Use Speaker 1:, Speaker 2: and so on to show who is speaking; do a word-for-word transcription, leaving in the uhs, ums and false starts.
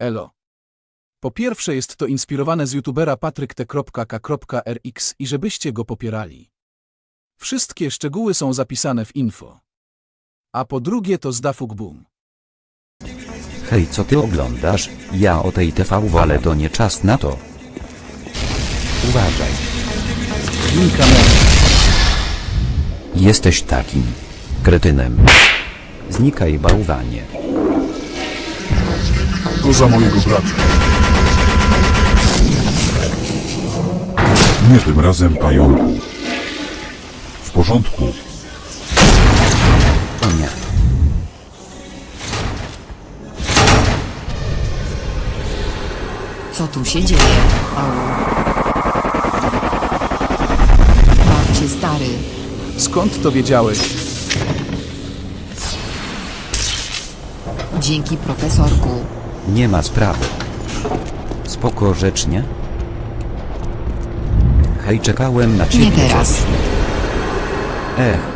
Speaker 1: Elo. Po pierwsze jest to inspirowane z youtubera patryk t k r x i żebyście go popierali. Wszystkie szczegóły są zapisane w info. A po drugie to z Dafuk Boom.
Speaker 2: Hej, co ty oglądasz? Ja o tej T V, ale to nie czas na to. Uważaj.
Speaker 1: Win kamerę.
Speaker 2: Jesteś takim kretynem. Znikaj, bałwanie.
Speaker 3: To za mojego brata. Nie tym razem, pająku. W porządku.
Speaker 2: O nie.
Speaker 4: Co tu się dzieje? Au. Babcie stary.
Speaker 1: Skąd to wiedziałeś?
Speaker 4: Dzięki profesorku.
Speaker 2: Nie ma sprawy. Spoko, rzecznie. Hej, czekałem na ciebie.
Speaker 4: Nie teraz.
Speaker 2: Ech.